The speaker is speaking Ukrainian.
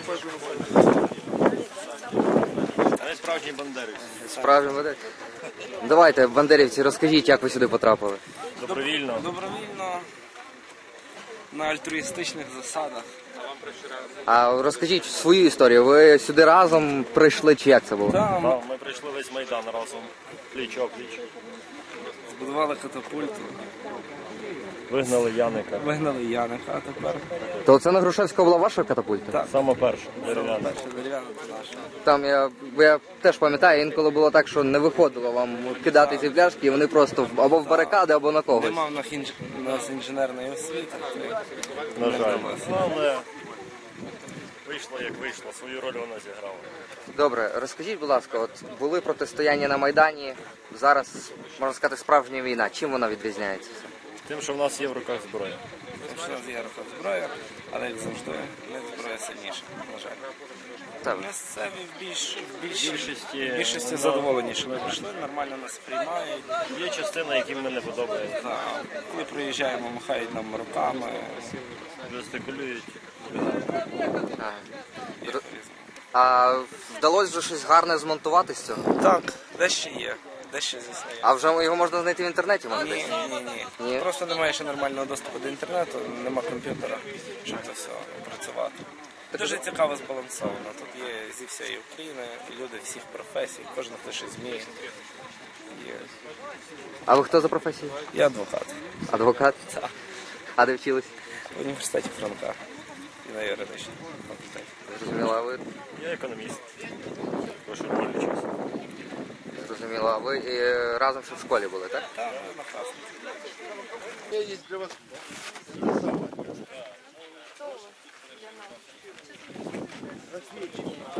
Але справжній бандерівець. Справжній бандерівець. Давайте, бандерівці, розкажіть, як ви сюди потрапили. Добровільно. Добровільно, на альтруїстичних засадах. А розкажіть свою історію. Ви сюди разом прийшли, чи як це було? Там Так, ми прийшли весь Майдан разом, пліч-опліч. збудували катапульту, Вигнали Яника. вигнали Яника, а тепер То це на Грушевського була ваша катапульта? Так. Саме перше, дерев'яна. перша дерев'яна то наша. Там я теж пам'ятаю, інколи було так, що не виходило вам кидати ці пляшки, і вони просто або в барикади, або на когось. Нема в нас інженерної освіти, то На жаль. Але вийшло як вийшло, свою роль вона зіграла. Добре, розкажіть, будь ласка, от були протистояння на Майдані, зараз, можна сказати, справжня війна. Чим вона відрізняється? Тим, що в нас є в руках зброя. що в є рука зброя, але як завжди, не зброя сильніша, на жаль. Так. Місцеві Більшості- більшості задоволені, що ми прийшли, нормально нас приймають. Є частина, яким ми не подобається. Та, коли приїжджаємо, махають нам руками. Жестикулюють. Ага. А вдалося вже щось гарне змонтувати з цього? Так, дещо є, дещо звісно є. А вже його можна знайти в інтернеті, мабуть? Ні. Ні? Просто немає ще нормального доступу до інтернету, нема комп'ютера, щоб це все працювати. Дуже цікаво збалансовано. Тут є зі всієї України, люди всіх професій, кожен хто щось вміє. Є. А ви хто за професією? Я адвокат Адвокат? Так. А де вчились? в університеті Франка і на юридичному факультеті. Зрозуміло, а ви? Я економіст. Прошу вільний час. Зрозуміло, а ви разом ще в школі були, так? Так, одночасно. Я есть для вас. Рассвечивание.